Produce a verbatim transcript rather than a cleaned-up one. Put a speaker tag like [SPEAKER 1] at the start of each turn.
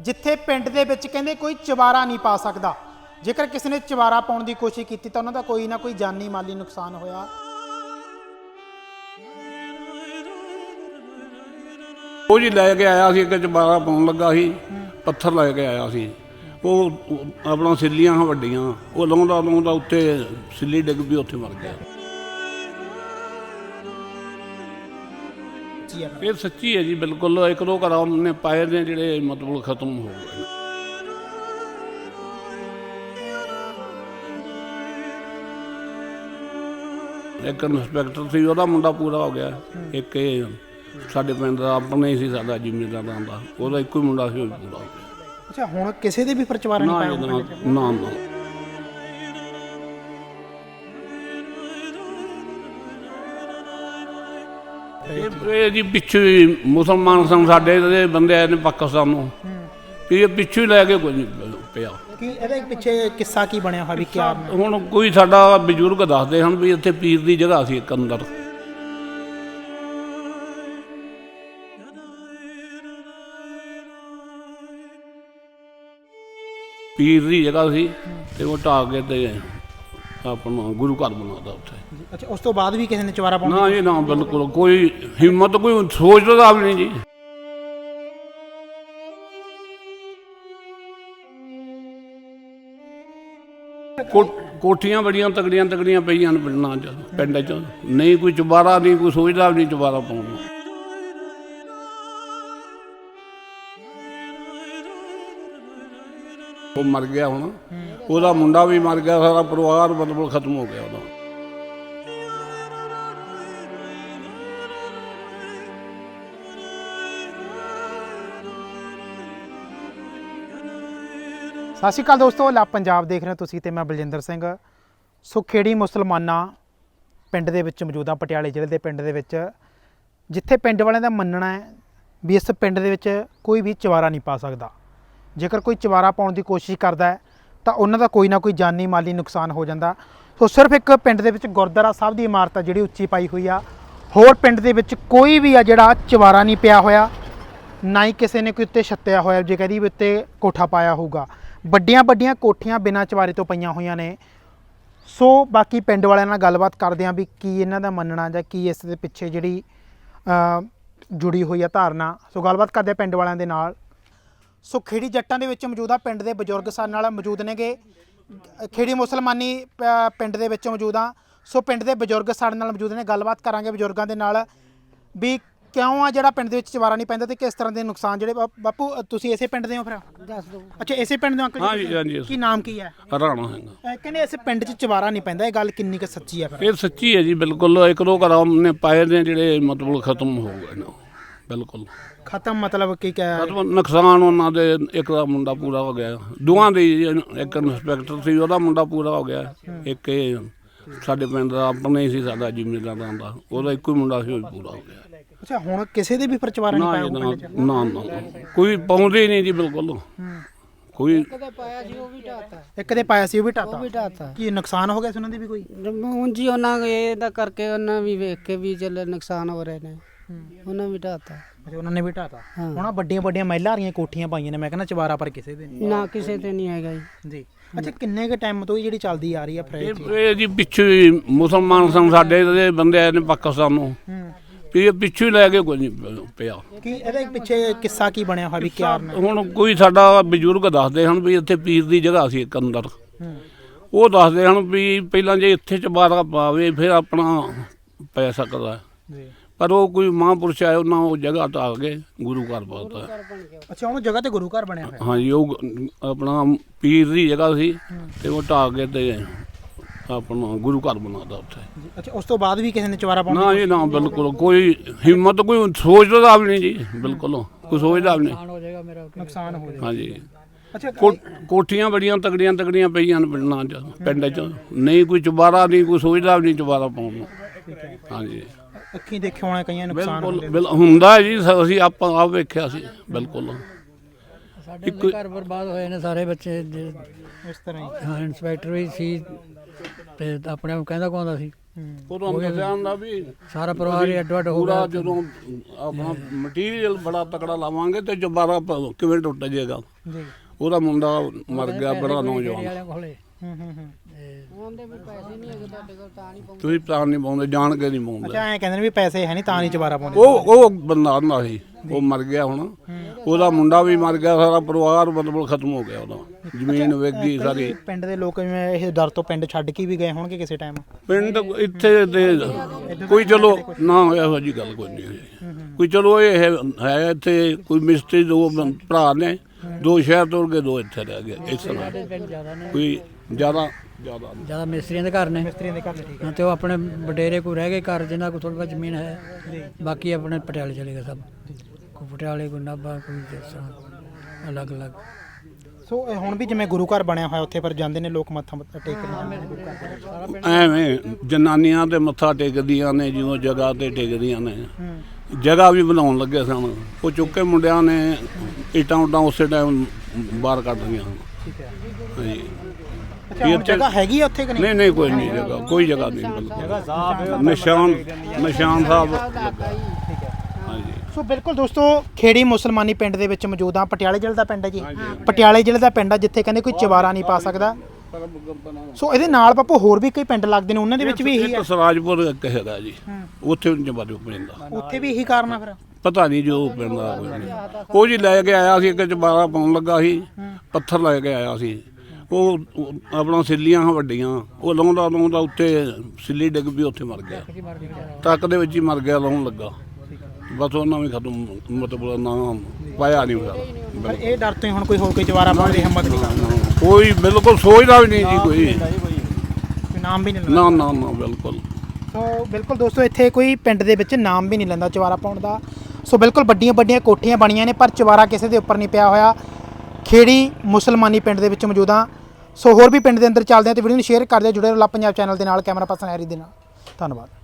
[SPEAKER 1] ਜਿੱਥੇ ਪਿੰਡ ਦੇ ਵਿੱਚ ਕਹਿੰਦੇ ਕੋਈ ਚਵਾਰਾ ਨਹੀਂ ਪਾ ਸਕਦਾ। ਜੇਕਰ ਕਿਸੇ ਨੇ ਚਵਾਰਾ ਪਾਉਣ ਦੀ ਕੋਸ਼ਿਸ਼ ਕੀਤੀ ਤਾਂ ਉਹਨਾਂ ਦਾ ਕੋਈ ਨਾ ਕੋਈ ਜਾਨੀ ਮਾਲੀ ਨੁਕਸਾਨ ਹੋਇਆ।
[SPEAKER 2] ਉਹ ਜੀ ਲੈ ਕੇ ਆਇਆ ਸੀ, ਇੱਕ ਚਵਾਰਾ ਪਾਉਣ ਲੱਗਾ ਸੀ, ਪੱਥਰ ਲੈ ਕੇ ਆਇਆ ਸੀ। ਉਹ ਆਪਣਾ ਸਿੱਲੀਆਂ ਵੱਡੀਆਂ, ਉਹ ਲਾਉਂਦਾ ਲਾਉਂਦਾ ਉੱਤੇ ਸਿੱਲੀ ਡਿੱਗ ਪਈ, ਉੱਥੇ ਮਰ ਗਿਆ। ਇਹ ਸੱਚੀ ਹੈ ਜੀ, ਬਿਲਕੁਲ। ਇੱਕ ਦੋ ਘਰ ਉਹਨੇ ਪਾਏ ਨੇ ਜਿਹੜੇ ਮਤਲਬ ਖਤਮ ਹੋ ਗਏ। ਇੱਕ ਇੰਸਪੈਕਟਰ ਸੀ, ਉਹਦਾ ਮੁੰਡਾ ਪੂਰਾ ਹੋ ਗਿਆ। ਇੱਕ ਇਹ ਸਾਡੇ ਪਿੰਡ ਦਾ ਆਪਣੇ ਹੀ ਸੀ, ਸਾਡਾ ਜ਼ਿਮੀਂਦਾਰਾਂ ਦਾ, ਉਹਦਾ ਇੱਕੋ ਹੀ ਮੁੰਡਾ ਸੀ, ਉਹ ਪੂਰਾ ਹੋ ਗਿਆ।
[SPEAKER 1] ਅੱਛਾ, ਹੁਣ ਕਿਸੇ ਦੇ ਵੀ ਫਿਰ ਚਵਾਰਾ ਨਹੀਂ ਪਾਇਆ?
[SPEAKER 2] ਨਾ ਨਾ ਇਹ ਜੀ ਪਿੱਛੇ ਹੀ ਮੁਸਲਮਾਨ ਸਨ ਸਾਡੇ ਦੇ ਬੰਦੇ ਆਏ ਨੇ ਪਾਕਿਸਤਾਨ ਨੂੰ, ਵੀ ਇਹ ਪਿੱਛੇ ਹੀ ਲੈ ਕੇ ਕੋਈ ਨਹੀਂ ਪਿਆ।
[SPEAKER 1] ਕੀ ਇਹਦੇ ਪਿੱਛੇ ਕਿੱਸਾ ਕੀ ਬਣਿਆ ਹੋਇਆ ਵੀ ਕਿਆ?
[SPEAKER 2] ਹੁਣ ਕੋਈ ਸਾਡਾ ਬਜ਼ੁਰਗ ਦੱਸਦੇ ਹਨ ਵੀ ਇੱਥੇ ਪੀਰ ਦੀ ਜਗ੍ਹਾ ਸੀ ਇੱਕ ਅੰਦਰ। ਪੀਰ ਦੀ ਜਗ੍ਹਾ ਸੀ ਤੇ ਉਹ ਢਾਹ ਕੇ ਤੇ ਆਪਣਾ ਗੁਰੂ ਘਰ ਬਣਾਉਂਦਾ ਉੱਥੇ।
[SPEAKER 1] ਅੱਛਾ, ਉਸ ਤੋਂ ਬਾਅਦ ਵੀ ਕਿਸੇ ਨੇ ਚਵਾਰਾ ਪਾਉਣਾ?
[SPEAKER 2] ਨਾ ਜੀ ਨਾ, ਬਿਲਕੁਲ ਕੋਈ ਹਿੰਮਤ, ਕੋਈ ਸੋਚਦਾ ਵੀ ਨਹੀਂ ਜੀ। ਕੋਠੀਆਂ ਬੜੀਆਂ ਤਗੜੀਆਂ ਤਗੜੀਆਂ ਪਈਆਂ ਨੇ ਪਿੰਡਾਂ 'ਚ, ਪਿੰਡ 'ਚ ਨਹੀਂ ਕੋਈ ਚੁਬਾਰਾ, ਨਹੀਂ ਕੋਈ ਸੋਚਦਾ ਵੀ ਨਹੀਂ ਚੁਬਾਰਾ ਪਾਉਣ ਨੂੰ। ਉਹ ਮਰ ਗਿਆ, ਹੁਣ ਉਹਦਾ ਮੁੰਡਾ ਵੀ ਮਰ ਗਿਆ, ਸਾਰਾ ਪਰਿਵਾਰ ਮਤਲਬ ਖਤਮ ਹੋ ਗਿਆ ਉਹਦਾ।
[SPEAKER 1] ਸਤਿ ਸ਼੍ਰੀ ਅਕਾਲ ਦੋਸਤੋ, ਲਾ ਪੰਜਾਬ ਦੇਖ ਰਹੇ ਹੋ ਤੁਸੀਂ ਤੇ ਮੈਂ ਬਲਜਿੰਦਰ ਸਿੰਘ। ਸੋ ਖੇੜੀ ਮੁਸਲਮਾਨਾ ਪਿੰਡ ਦੇ ਵਿੱਚ ਮੌਜੂਦ ਹਾਂ, ਪਟਿਆਲੇ ਜ਼ਿਲ੍ਹੇ ਦੇ ਪਿੰਡ ਦੇ ਵਿੱਚ, ਜਿੱਥੇ ਪਿੰਡ ਵਾਲਿਆਂ ਦਾ ਮੰਨਣਾ ਹੈ ਵੀ ਇਸ ਪਿੰਡ ਦੇ ਵਿੱਚ ਕੋਈ ਵੀ ਚਵਾਰਾ ਨਹੀਂ ਪਾ ਸਕਦਾ। ਜੇਕਰ ਕੋਈ ਚਵਾਰਾ ਪਾਉਣ ਦੀ ਕੋਸ਼ਿਸ਼ ਕਰਦਾ ਹੈ ਤਾਂ ਉਹਨਾਂ ਦਾ ਕੋਈ ਨਾ ਕੋਈ ਜਾਨੀ ਮਾਲੀ ਨੁਕਸਾਨ ਹੋ ਜਾਂਦਾ। ਸੋ ਸਿਰਫ ਇੱਕ ਪਿੰਡ ਦੇ ਵਿੱਚ ਗੁਰਦੁਆਰਾ ਸਾਹਿਬ ਦੀ ਇਮਾਰਤ ਆ ਜਿਹੜੀ ਉੱਚੀ ਪਾਈ ਹੋਈ ਆ, ਹੋਰ ਪਿੰਡ ਦੇ ਵਿੱਚ ਕੋਈ ਵੀ ਆ ਜਿਹੜਾ ਚਵਾਰਾ ਨਹੀਂ ਪਿਆ ਹੋਇਆ, ਨਾ ਹੀ ਕਿਸੇ ਨੇ ਕੋਈ ਉੱਤੇ ਛੱਤਿਆ ਹੋਇਆ ਜੇ ਕਹਦੀ ਵੀ ਉੱਤੇ ਕੋਠਾ ਪਾਇਆ ਹੋਊਗਾ। ਵੱਡੀਆਂ ਵੱਡੀਆਂ ਕੋਠੀਆਂ ਬਿਨਾਂ ਚਵਾਰੇ ਤੋਂ ਪਈਆਂ ਹੋਈਆਂ ਨੇ। ਸੋ ਬਾਕੀ ਪਿੰਡ ਵਾਲਿਆਂ ਨਾਲ ਗੱਲਬਾਤ ਕਰਦੇ ਹਾਂ ਵੀ ਕੀ ਇਹਨਾਂ ਦਾ ਮੰਨਣਾ ਜਾਂ ਕੀ ਇਸ ਦੇ ਪਿੱਛੇ ਜਿਹੜੀ ਜੁੜੀ ਹੋਈ ਆ ਧਾਰਨਾ। ਸੋ ਗੱਲਬਾਤ ਕਰਦੇ ਹਾਂ ਪਿੰਡ ਵਾਲਿਆਂ ਦੇ ਨਾਲ। ਸੋ ਖੇੜੀ ਜੱਟਾਂ ਦੇ ਵਿੱਚ ਮੌਜੂਦ ਆ, ਪਿੰਡ ਦੇ ਬਜ਼ੁਰਗ ਸਾਡੇ ਨਾਲ ਮੌਜੂਦ ਨੇਗੇ। ਖੇੜੀ ਮੁਸਲਮਾਨੀ ਪਿੰਡ ਦੇ ਵਿੱਚ ਮੌਜੂਦ ਆ। ਸੋ ਪਿੰਡ ਦੇ ਬਜ਼ੁਰਗ ਸਾਡੇ ਨਾਲ ਮੌਜੂਦ ਨੇ, ਗੱਲਬਾਤ ਕਰਾਂਗੇ ਬਜ਼ੁਰਗਾਂ ਦੇ ਨਾਲ ਵੀ ਕਿਉਂ ਆ ਜਿਹੜਾ ਪਿੰਡ ਦੇ ਵਿੱਚ ਚਵਾਰਾ ਨਹੀਂ ਪੈਂਦਾ ਤੇ ਕਿਸ ਤਰ੍ਹਾਂ ਦੇ ਨੁਕਸਾਨ ਜਿਹੜੇ। ਬਾਪੂ ਤੁਸੀਂ ਇਸੇ ਪਿੰਡ ਦੇ ਹੋ ਫਿਰ?
[SPEAKER 3] ਦੱਸ ਦਿਓ।
[SPEAKER 1] ਅੱਛਾ, ਇਸੇ ਪਿੰਡ ਦੇ ਅੰਕਲ ਜੀ?
[SPEAKER 2] ਹਾਂਜੀ ਹਾਂਜੀ।
[SPEAKER 1] ਕੀ ਨਾਮ ਕੀ ਹੈ?
[SPEAKER 2] ਰਾਣਾ ਹੈਗਾ।
[SPEAKER 1] ਕਹਿੰਦੇ ਇਸ ਪਿੰਡ 'ਚ ਚਵਾਰਾ ਨਹੀਂ ਪੈਂਦਾ, ਇਹ ਗੱਲ ਕਿੰਨੀ ਕੁ ਸੱਚੀ ਹੈ ਫਿਰ?
[SPEAKER 2] ਇਹ ਸੱਚੀ ਹੈ ਜੀ, ਬਿਲਕੁਲ। ਇੱਕ ਦੋ ਘਰ ਉਹਨੇ ਪਾਏ ਨੇ ਜਿਹੜੇ ਮਤਲਬ ਖਤਮ ਹੋ ਗਏ ਨੇ, ਬਿਲਕੁਲ
[SPEAKER 1] ਖਤਮ। ਮਤਲਬ ਕੀ ਕਹਿ?
[SPEAKER 2] ਨੁਕਸਾਨ ਉਹਨਾਂ ਦੇ, ਇੱਕ ਦਾ ਮੁੰਡਾ ਪੂਰਾ ਹੋ ਗਿਆ, ਦੋਵਾਂ ਦੇ। ਇੱਕ ਇੰਸਪੈਕਟਰ ਸੀ, ਉਹਦਾ ਮੁੰਡਾ ਪੂਰਾ ਹੋ ਗਿਆ। ਇੱਕ ਇਹ ਸਾਡੇ ਪਿੰਡ ਦਾ ਆਪਣੇ ਹੀ ਸੀ, ਸਾਡਾ ਜ਼ਿਮੀਂਦਾਰਾਂ ਦਾ, ਉਹਦਾ ਇੱਕੋ ਹੀ ਮੁੰਡਾ ਸੀ, ਉਹ ਪੂਰਾ ਹੋ ਗਿਆ।
[SPEAKER 1] ਅੱਛਾ, ਹੁਣ ਕਿਸੇ ਦੇ ਵੀ ਫਿਰ ਚਵਾਰਾ ਨਹੀਂ ਪਾਇਆ?
[SPEAKER 2] ਨਾ ਨਾ, ਕੋਈ ਪਾਉਂਦੇ ਨਹੀਂ ਜੀ, ਬਿਲਕੁਲ ਕੋਈ।
[SPEAKER 3] ਇੱਕ ਦੇ ਪਾਇਆ ਸੀ ਉਹ ਵੀ ਢਾਤਾ।
[SPEAKER 1] ਇੱਕ ਦੇ ਪਾਇਆ ਸੀ ਉਹ ਵੀ ਢਾਤਾ?
[SPEAKER 3] ਉਹ ਵੀ ਢਾਤਾ।
[SPEAKER 1] ਕੀ ਨੁਕਸਾਨ ਹੋ ਗਿਆ ਸੀ ਉਹਨਾਂ ਦੀ ਵੀ ਕੋਈ?
[SPEAKER 3] ਹੁਣ ਜੀ ਉਹਨਾਂ ਇਹਦਾ ਕਰਕੇ ਉਹਨਾਂ ਵੀ ਵੇਖ ਕੇ ਵੀ ਚੱਲ ਨੁਕਸਾਨ ਹੋ ਰਹੇ ਨੇ, ਉਹਨਾਂ ਵੀ ਢਾਤਾ।
[SPEAKER 1] ਅੱਛਾ, ਉਹਨਾਂ ਨੇ ਵੀ ਢਾਤਾ। ਹੁਣ ਵੱਡੀਆਂ ਵੱਡੀਆਂ ਮਹਿਲਾਂ ਵਾਲੀਆਂ ਕੋਠੀਆਂ ਪਾਈਆਂ ਨੇ, ਮੈਂ ਕਹਿੰਦਾ ਚਵਾਰਾ ਪਰ ਕਿਸੇ ਦੇ ਨਹੀਂ।
[SPEAKER 3] ਨਾ ਕਿਸੇ ਤੇ ਨਹੀਂ ਹੈਗਾ ਜੀ।
[SPEAKER 1] ਜੀ। ਅੱਛਾ, ਕਿੰਨੇ ਕੁ ਟਾਈਮ ਤੋਂ ਜਿਹੜੀ ਚੱਲਦੀ ਆ ਰਹੀ ਆ ਫਿਰ?
[SPEAKER 2] ਇਹ ਜੀ ਪਿੱਛੇ ਹੀ ਮੁਸਲਮਾਨ ਸਨ ਸਾਡੇ ਦੇ ਬੰਦੇ ਆਏ ਨੇ ਪਾਕਿਸਤਾਨ ਨੂੰ, ਵੀ ਇਹ ਪਿੱਛੇ ਹੀ ਲੈ ਕੇ ਕੋਈ ਨਹੀਂ ਪਿਆ।
[SPEAKER 1] ਕੀ ਇਹਦੇ ਪਿੱਛੇ ਕਿੱਸਾ ਕੀ ਬਣਿਆ ਹੋਇਆ ਵੀ ਕਿਆ?
[SPEAKER 2] ਹੁਣ ਕੋਈ ਸਾਡਾ ਬਜ਼ੁਰਗ ਦੱਸਦੇ ਹਨ ਵੀ ਇੱਥੇ ਪੀਰ ਦੀ ਜਗ੍ਹਾ ਸੀ ਇੱਕ ਅੰਦਰ। ਉਹ ਦੱਸਦੇ ਹਨ ਵੀ ਪਹਿਲਾਂ ਜੇ ਇੱਥੇ ਚਵਾਰਾ ਪਾਵੇ ਫਿਰ ਆਪਣਾ ਪੈ ਸਕਦਾ, ਪਰ ਉਹ ਕੋਈ ਮਹਾਂਪੁਰਸ਼ ਆਏ, ਉਹਨਾਂ ਉਹ ਜਗ੍ਹਾ ਢਾਹ ਕੇ ਗੁਰੂ ਘਰ ਪਾਤਾ।
[SPEAKER 1] ਅੱਛਾ, ਉਹ ਜਗ੍ਹਾ ਤੇ ਗੁਰੂ ਘਰ ਬਣਿਆ ਹੋਇਆ?
[SPEAKER 2] ਹਾਂਜੀ, ਉਹ ਆਪਣਾ ਪੀਰ ਦੀ ਜਗ੍ਹਾ ਸੀ ਤੇ ਉਹ ਢਾਹ ਕੇ ਤੇ ਆਪਣਾ ਗੁਰੂ ਘਰ ਬਣਾਉਂਦਾ ਉੱਥੇ।
[SPEAKER 1] ਅੱਛਾ, ਉਸ ਤੋਂ ਬਾਅਦ ਵੀ ਕਿਸੇ ਨੇ ਚਵਾਰਾ ਪਾਉਣਾ?
[SPEAKER 2] ਨਾ ਜੀ ਨਾ, ਬਿਲਕੁਲ ਕੋਈ ਹਿੰਮਤ, ਕੋਈ ਸੋਚਦਾ ਵੀ ਨਹੀਂ ਜੀ, ਬਿਲਕੁਲ ਕੋਈ ਸੋਚਦਾ ਵੀ ਨਹੀਂ।
[SPEAKER 1] ਨੁਕਸਾਨ ਹੋ ਜਾਏਗਾ।
[SPEAKER 2] ਹਾਂਜੀ।
[SPEAKER 1] ਅੱਛਾ,
[SPEAKER 2] ਕੋਠੀਆਂ ਬੜੀਆਂ ਤਗੜੀਆਂ ਤਗੜੀਆਂ ਪਈਆਂ ਨੇ ਪਿੰਡਾਂ 'ਚ, ਪਿੰਡ 'ਚ ਨਹੀਂ ਕੋਈ ਚੁਬਾਰਾ, ਨਹੀਂ ਕੋਈ ਸੋਚਦਾ ਵੀ ਨਹੀਂ ਚੁਬਾਰਾ ਪਾਉਣ ਨੂੰ। ਹਾਂਜੀ,
[SPEAKER 1] ਅੱਖੀਂ ਦੇਖਿਆ ਹੋਣਾ ਕਈਆਂ ਨੁਕਸਾਨ
[SPEAKER 2] ਬਿਲਕੁਲ ਹੁੰਦਾ ਜੀ, ਅਸੀਂ ਆਪਾਂ ਆਪ ਵੇਖਿਆ ਸੀ, ਬਿਲਕੁਲ।
[SPEAKER 3] ਸਾਡੇ ਘਰ ਬਰਬਾਦ ਹੋਏ ਨੇ ਸਾਰੇ ਬੱਚੇ
[SPEAKER 1] ਇਸ ਤਰ੍ਹਾਂ ਹੀ।
[SPEAKER 3] ਹਾਂ, ਇੰਸਪੈਕਟਰ ਵੀ ਸੀ ਤੇ ਆਪਣੇ ਆਪ ਕਹਿੰਦਾ ਕੌਂਦਾ ਸੀ
[SPEAKER 2] ਉਹ ਤੁਹਾਨੂੰ ਦੱਸਿਆ ਹੁੰਦਾ ਵੀ
[SPEAKER 4] ਸਾਰਾ ਪਰਿਵਾਰ ਹੀ ਅੱਡੋ ਅੱਡ ਹੋ
[SPEAKER 2] ਪੂਰਾ
[SPEAKER 4] ਗਿਆ।
[SPEAKER 2] ਜਦੋਂ ਆਪਣਾ ਮਟੀਰੀਅਲ ਬੜਾ ਤਕੜਾ ਲਾਵਾਂਗੇ ਤੇ ਦੁਬਾਰਾ ਪ- ਕਿਵੇਂ ਟੁੱਟ ਜਾਏਗਾ।
[SPEAKER 1] ਜੀ
[SPEAKER 2] ਉਹਦਾ ਮੁੰਡਾ ਮਰ ਗਿਆ ਬੜਾ ਨੌਜਵਾਨ।
[SPEAKER 4] ਵਾਲਿਆਂ ਕੋਲੇ
[SPEAKER 1] ਹੂੰ ਹੂੰ ਹੂੰ
[SPEAKER 3] ਉਹਦੇ ਵੀ ਪੈਸੇ ਨਹੀਂ ਹੈਗੇ ਤੁਹਾਡੇ ਕੋਲ ਤਾਂ ਨਹੀਂ ਪਾਉਂਦੇ।
[SPEAKER 2] ਤੁਸੀਂ ਤਾਂ ਨਹੀਂ ਪਾਉਂਦੇ, ਜਾਣ ਕੇ ਨਹੀਂ ਪਾਉਂਦੇ।
[SPEAKER 1] ਅੱਛਾ ਐਂ ਕਹਿੰਦੇ ਨੇ ਵੀ ਪੈਸੇ ਹੈ ਨਹੀਂ ਤਾਂ ਨਹੀਂ ਚਵਾਰਾ ਪਾਉਂਦੇ।
[SPEAKER 2] ਉਹ ਉਹ ਬੰਦਾ ਹੁੰਦਾ ਸੀ, ਉਹ ਮਰ ਗਿਆ ਹੁਣ। ਉਹਦਾ ਮੁੰਡਾ ਵੀ ਮਰ ਗਿਆ, ਸਾਰਾ ਪਰਿਵਾਰ ਮਤਲਬ ਖਤਮ ਹੋ ਗਿਆ ਉਹਦਾ। ਜ਼ਮੀਨ ਵੇਚ ਗਈ ਸਾਰੀ।
[SPEAKER 1] ਪਿੰਡ ਦੇ ਲੋਕ ਜਿਵੇਂ ਇਹ ਡਰ ਤੋਂ ਪਿੰਡ ਛੱਡ ਕੇ ਵੀ ਗਏ ਹੋਣਗੇ ਕਿਸੇ ਟਾਈਮ।
[SPEAKER 2] ਪਿੰਡ ਇੱਥੇ ਤੇ ਕੋਈ ਚਲੋ ਨਾ ਇਹੋ ਜਿਹੀ ਗੱਲ ਕੋਈ ਨਹੀਂ ਹੋਈ। ਕੋਈ ਚਲੋ ਇਹ ਹੈ ਹੈ ਇੱਥੇ ਕੋਈ ਮਿਸਤਰੀ ਦੋ ਬੰ- ਭਰਾ ਨੇ, ਦੋ ਸ਼ਹਿਰ ਤੁਰ ਕੇ ਦੋ ਇੱਥੇ ਰਹਿ ਗਏ। ਇਸ ਤਰ੍ਹਾਂ ਕੋਈ ਜ਼ਿਆਦਾ ਜ਼ਿਆਦਾ ਨਹੀਂ।
[SPEAKER 4] ਜਿਆਦਾ ਮਿਸਤਰੀਆਂ ਦੇ ਘਰ ਨੇ
[SPEAKER 1] ਮਿਸਤਰੀਆਂ ਦੇ ਘਰ ਨੇ, ਠੀਕ ਹੈ।
[SPEAKER 4] ਹਾਂ, ਤੇ ਉਹ ਆਪਣੇ ਵਡੇਰੇ ਕੋਈ ਰਹਿ ਗਏ ਘਰ ਜਿਨ੍ਹਾਂ ਕੋਲ ਥੋੜੀ ਬਹੁਤ ਜ਼ਮੀਨ ਹੈ, ਬਾਕੀ ਆਪਣੇ ਪਟਿਆਲੇ ਚਲੇ ਗਏ ਸਭ। ਕੋਈ ਪਟਿਆਲੇ, ਕੋਈ ਨਾਭਾ, ਕੋਈ ਜਿਸ ਤਰ੍ਹਾਂ ਅਲੱਗ ਅਲੱਗ।
[SPEAKER 1] ਸੋ ਇਹ ਹੁਣ ਵੀ ਜਿਵੇਂ ਗੁਰੂ ਘਰ ਬਣਿਆ ਹੋਇਆ ਉੱਥੇ ਪਰ ਜਾਂਦੇ ਨੇ ਲੋਕ ਮੱਥਾ ਮੁੱਥਾ ਟੇਕਣ ਜਾਂਦੇ ਨੇ ਗੁਰੂ ਘਰ।
[SPEAKER 2] ਐਵੇਂ ਜਨਾਨੀਆਂ ਤੇ ਮੱਥਾ ਟੇਕਦੀਆਂ ਨੇ, ਜਦੋਂ ਜਗ੍ਹਾ ਤੇ ਟੇਕਦੀਆਂ ਨੇ।
[SPEAKER 1] ਹੂੰ
[SPEAKER 2] ਜਗ੍ਹਾ ਵੀ ਬਣਾਉਣ ਲੱਗੇ ਸਨ, ਉਹ ਚੁੱਕੇ ਮੁੰਡਿਆਂ ਨੇ ਇੱਟਾਂ ਉੱਟਾਂ ਉਸੇ ਟਾਈਮ ਬਾਹਰ ਕੱਢ ਲਈਆਂ।
[SPEAKER 1] ਠੀਕ ਹੈ।
[SPEAKER 2] ਹਾਂਜੀ।
[SPEAKER 1] ਅੱਛਾ ਹੁਣ ਜਗ੍ਹਾ ਹੈਗੀ ਆ ਉੱਥੇ ਕਿ ਨਹੀਂ?
[SPEAKER 2] ਨਹੀਂ ਨਹੀਂ ਕੋਈ ਨਹੀਂ ਜਗ੍ਹਾ, ਕੋਈ ਜਗ੍ਹਾ ਨਹੀਂ ਬਿਲਕੁਲ। ਨਿਸ਼ਾਨ ਨਿਸ਼ਾਨ ਸਾਹਿਬ ਲੱਗਾ।
[SPEAKER 1] ਠੀਕ ਹੈ।
[SPEAKER 2] ਹਾਂਜੀ।
[SPEAKER 1] ਸੋ ਬਿਲਕੁਲ ਦੋਸਤੋ, ਖੇੜੀ ਮੁਸਲਮਾਨੀ ਪਿੰਡ ਦੇ ਵਿੱਚ ਮੌਜੂਦ ਆ। ਪਟਿਆਲੇ ਜ਼ਿਲ੍ਹੇ ਦਾ ਪਿੰਡ ਹੈ ਜੀ। ਪਟਿਆਲੇ ਜ਼ਿਲ੍ਹੇ ਦਾ ਪਿੰਡ ਆ ਜਿੱਥੇ ਕਹਿੰਦੇ ਕੋਈ ਚਵਾਰਾ ਨਹੀਂ ਪਾ ਸਕਦਾ। ਸੋ ਇਹਦੇ ਨਾਲ ਬਾਪੂ ਹੋਰ ਵੀ ਕਈ ਪਿੰਡ ਲੱਗਦੇ ਨੇ, ਉਹਨਾਂ ਦੇ ਵਿੱਚ ਵੀ ਇਹੀ
[SPEAKER 2] ਇੱਕ
[SPEAKER 1] ਹੈ।
[SPEAKER 2] ਸਰਾਜਪੁਰ ਇੱਕ ਹੈਗਾ ਜੀ, ਉੱਥੇ ਜਵਾਜੂ ਪੈਂਦਾ।
[SPEAKER 1] ਉੱਥੇ ਵੀ ਇਹੀ ਕਾਰਨ ਆ ਫਿਰ।
[SPEAKER 2] ਪਤਾ ਨਹੀਂ ਜੋ ਪੈਂਦਾ ਕੋਈ ਨਹੀਂ। ਉਹ ਜੀ ਲੈ ਕੇ ਆਇਆ ਸੀ, ਇੱਕ ਚਬਾਰਾ ਪਾਉਣ ਲੱਗਾ ਸੀ, ਪੱਥਰ ਲੈ ਕੇ ਆਇਆ ਸੀ। ਉਹ ਉਹ ਆਪਣਾ ਸਿੱਲੀਆਂ ਵੱਡੀਆਂ, ਉਹ ਲਾਉਂਦਾ ਲਾਉਂਦਾ ਉੱਤੇ ਸਿੱਲੀ ਡਿੱਗ ਪਈ, ਉੱਥੇ ਮਰ ਗਿਆ। ਟਰੱਕ ਦੇ ਵਿੱਚ ਹੀ ਮਰ ਗਿਆ, ਲਾਉਣ ਲੱਗਾ। ਬਸ ਉਹਨਾਂ ਵੀ ਖਤਮ, ਮਤਲਬ ਨਾ ਪਾਇਆ ਨਹੀਂ ਹੋਇਆ।
[SPEAKER 1] ਪਰ ਇਹ ਡਰ ਤੋਂ ਹੀ ਹੁਣ ਕੋਈ ਹੋਰ ਕੋਈ ਚਵਾਰਾ ਪਾਉਣ ਦੀ ਹਿੰਮਤ ਨਹੀਂ ਕਰਦਾ।
[SPEAKER 2] ਕੋਈ ਬਿਲਕੁਲ ਸੋਚਦਾ ਵੀ ਨਹੀਂ ਜੀ ਕੋਈ।
[SPEAKER 1] ਕੋਈ ਨਾਮ ਵੀ ਨਹੀਂ ਲੈਂਦਾ।
[SPEAKER 2] ਨਾ ਨਾ ਨਾ ਬਿਲਕੁਲ।
[SPEAKER 1] ਸੋ ਬਿਲਕੁਲ ਦੋਸਤੋ, ਇੱਥੇ ਕੋਈ ਪਿੰਡ ਦੇ ਵਿੱਚ ਨਾਮ ਵੀ ਨਹੀਂ ਲੈਂਦਾ ਚਵਾਰਾ ਪਾਉਣ ਦਾ। ਸੋ ਬਿਲਕੁਲ ਵੱਡੀਆਂ ਵੱਡੀਆਂ ਕੋਠੀਆਂ ਬਣੀਆਂ ਨੇ ਪਰ ਚਵਾਰਾ ਕਿਸੇ ਦੇ ਉੱਪਰ ਨਹੀਂ ਪਿਆ ਹੋਇਆ। ਖੇੜੀ ਮੁਸਲਮਾਨੀ ਪਿੰਡ ਦੇ ਵਿੱਚ ਮੌਜੂਦ ਹਾਂ। ਸੋ ਹੋਰ ਵੀ ਪਿੰਡ ਦੇ ਅੰਦਰ ਚੱਲਦੇ ਹਾਂ ਤੇ ਵੀਡੀਓ ਨੂੰ ਸ਼ੇਅਰ ਕਰ ਦਿਓ। ਜੁੜੇ ਰਹੋ ਲੱਭ ਪੰਜਾਬ ਚੈਨਲ ਦੇ ਨਾਲ। ਕੈਮਰਾ ਪਰਸਨ ਹੈਰੀ ਦੇ ਨਾਲ। ਧੰਨਵਾਦ।